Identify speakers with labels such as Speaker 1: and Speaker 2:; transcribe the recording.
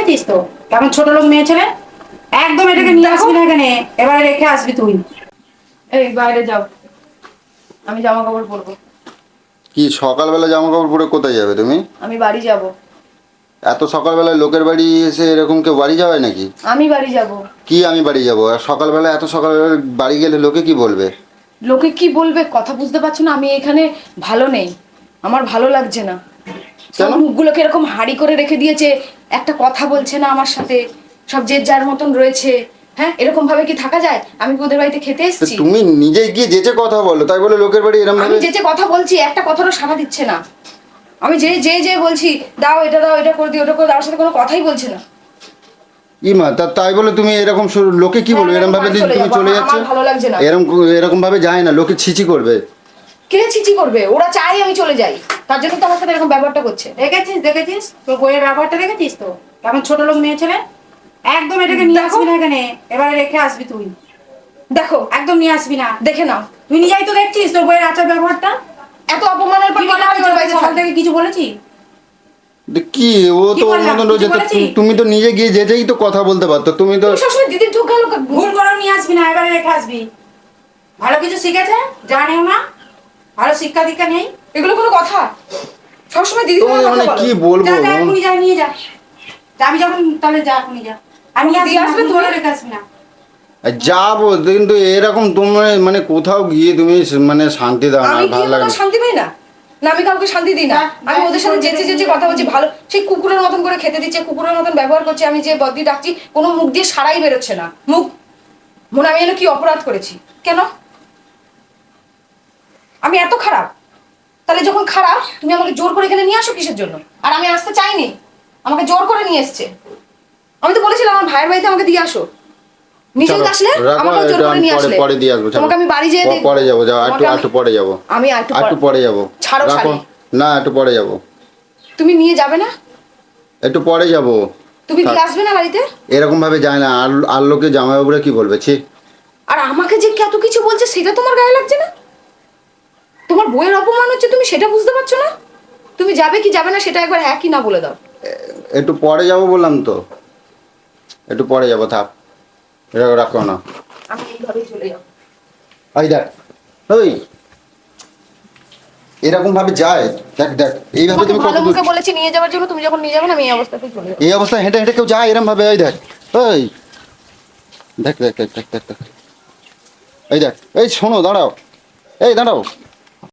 Speaker 1: দেখেছিস তো কেমন ছোট লোক মেয়ে ছেলে। একদম এটাকে নিয়ে আসবি না এখানে, এবারে রেখে আসবি তুই।
Speaker 2: এই বাইরে যাও, আমি জামা কাপড় পরবো।
Speaker 3: কি সকালবেলা জামা কাপড় পরে কোথায় যাবে তুমি?
Speaker 2: আমি বাড়ি যাব।
Speaker 3: এত সকালবেলায় লোকের বাড়ি এসে এরকম কেউ বাড়ি যাবে নাকি?
Speaker 2: আমি বাড়ি যাব।
Speaker 3: কি আমি বাড়ি যাব? আর সকালবেলা এত সকালবেলা বাড়ি গেলে লোকে কি বলবে?
Speaker 2: লোকে কি বলবে কথা বুঝতে পারছো না? আমি এখানে ভালো নেই, আমার ভালো লাগছে না। সব
Speaker 3: কেন?
Speaker 2: মুখগুলোকে এরকম হাঁড়ি করে রেখে দিয়েছে, একটা কথা বলছে না আমার সাথে, সব যে যার মতন রয়েছে। হ্যাঁ, এরকম ভাবে কি থাকা যায়? আমি কি ওদের বাড়িতে খেতে
Speaker 3: তো
Speaker 2: এসেছি?
Speaker 3: তুমি নিজে গিয়ে যেচে কথা বলো, তাই বলে লোকের বাড়ি এরকম
Speaker 2: আমি
Speaker 3: ভাবে?
Speaker 2: যে কথা বলছি একটা কথারও সাড়া দিচ্ছে না। আমি যে বলছি দাও এটা করে দিও, ওটা করে দাও, আমার সাথে কোনো কথাই বলছে না।
Speaker 3: ইমা তাই বলে তুমি এরকম লোকে কি বলবে এরকম ভাবে তুমি চলে যাচ্ছ?
Speaker 2: আমার ভালো লাগছে না।
Speaker 3: এরকম ভাবে যায় না, লোকে ছিছি করবে।
Speaker 2: কে ছিচি করবে? ওরা চাই আমি চলে যাই, তার জন্য তো আমার সাথে এরকম ব্যবহারটা করছে।
Speaker 1: দেখেছিস তোর বইয়ের ব্যবহারটা দেখেছিস তো কেমন ছোট লোক মেয়ে ছেলে। একদম এটাকে নিয়ে আসবি না এখানে, এবারে রেখে আসবি তুই।
Speaker 2: দেখো,
Speaker 1: একদম নিয়ে আসবি না।
Speaker 2: দেখে নাও।
Speaker 1: তুই নিজেই তো দেখছিস তোর বইয়ের আচার ব্যবহারটা।
Speaker 2: এত অপমানের পর
Speaker 1: তুই
Speaker 2: কেন আমি তোর বাড়িতে
Speaker 1: সকাল
Speaker 2: থাকি?
Speaker 1: থেকে কিছু বলেছি?
Speaker 3: কি ও
Speaker 1: কি
Speaker 3: তো ওর
Speaker 1: বললাম?
Speaker 3: মতন
Speaker 1: কিছু
Speaker 3: রয়েছে,
Speaker 1: বলেছি?
Speaker 3: তুমি তো নিজে গিয়ে যেতেই তো কথা বলতে পারতো, তুমি তো।
Speaker 2: তুমি সবসময় দিদির ঢোক গেল।
Speaker 1: ভুল করে নিয়ে আসবি না, এবারে রেখে আসবি। ভালো কিছু শিখেছে জানেও না, ভালো শিক্ষা দীক্ষা নেই।
Speaker 2: এগুলো কোনো কথা? সবসময় দিদি
Speaker 3: তোমাকে মানে কি বলবো?
Speaker 1: যা এখনই যা, নিয়ে যা। আমি যখন তাহলে যা এখনই যা। আমি
Speaker 2: দিয়ে
Speaker 1: আসবি না,
Speaker 2: আসবে
Speaker 1: তুই
Speaker 2: তুমি?
Speaker 1: বলে রেখে আসবি না।
Speaker 3: যাবো কিন্তু এরকম তোমার মানে কোথাও গিয়ে তুমি মানে শান্তি দাও না,
Speaker 2: আমি
Speaker 3: আর
Speaker 2: কি
Speaker 3: ভালো লাগে
Speaker 2: কোনো
Speaker 3: না।
Speaker 2: শান্তি পাই না? না আমি কাউকে শান্তি দিই না। আমি ওদের সাথে যেচে কথা বলছি, ভালো সেই কুকুরের মতন করে খেতে দিচ্ছে, কুকুরের মতন ব্যবহার করছে। আমি যে বদ্দি ডাকছি কোনো মুখ দিয়ে সারাই বেরোচ্ছে না। মুখ মনে আমি যেন কি অপরাধ করেছি? কেন আমি এত খারাপ? তাহলে যখন খারাপ তুমি আমাকে জোর করে এখানে নিয়ে আসো কিসের জন্য? আর আমি আসতে চাইনি, আমাকে জোর করে নিয়ে এসছে। আমি তো বলেছিলাম আমার ভাইয়ের বাড়িতে আমাকে দিয়ে আসো, নিজেও
Speaker 3: চলো,
Speaker 2: আসলে
Speaker 3: রাখো,
Speaker 2: আমাকে জোর
Speaker 3: এটা
Speaker 2: করে
Speaker 3: আমি
Speaker 2: নিয়ে আসলে।
Speaker 3: পরে দিয়ে আসবো, চলো।
Speaker 2: তোমাকে আমি বাড়ি যেয়ে
Speaker 3: পরে যাবো, যাও
Speaker 2: তোমাকে
Speaker 3: একটু পরে যাবো।
Speaker 2: আমি
Speaker 3: একটু পরে যাবো।
Speaker 2: ছাড়ো
Speaker 3: রাখো।
Speaker 2: শাড়ি।
Speaker 3: না, একটু পরে যাবো।
Speaker 2: তুমি নিয়ে যাবে না?
Speaker 3: একটু পরে যাবো।
Speaker 2: তুমি দিয়ে আসবে না বাড়িতে?
Speaker 3: এরকম ভাবে যায় না, আর লোকে জামাইবাবুরা কি বলবে? ছি।
Speaker 2: আর আমাকে যে কত কিছু বলছে সেটা তোমার গায়ে লাগছে না? তোমার বইয়ের অপমান হচ্ছে, তুমি সেটা বুঝতে পারছো না? তুমি যাবে কি যাবে না সেটা একবার হ্যাঁ কি না বলে দাও।
Speaker 3: একটু পরে যাবো বললাম তো, একটু পরে যাবো, থাক। রাখো না।
Speaker 2: আমি এইভাবেই চলে যাবো।
Speaker 3: এই দেখ, ওই এরকম ভাবে যায়, দেখ দেখ এইভাবে
Speaker 2: তোমাকে
Speaker 3: তুমি কত
Speaker 2: ভালো
Speaker 3: দূর।
Speaker 2: মুখে বলেছি নিয়ে যাওয়ার জন্য, তুমি যখন নিয়ে যাবে না আমি এই অবস্থাতেই চলে যাবো।
Speaker 3: এই অবস্থায় হেঁটে হেঁটে কেউ যায় এরকম ভাবে? এই দেখ, ওই দেখ দেখ দেখ দেখ দেখ দেখ। এই দেখ, এই শোনো, দাঁড়াও, এই দাঁড়াও।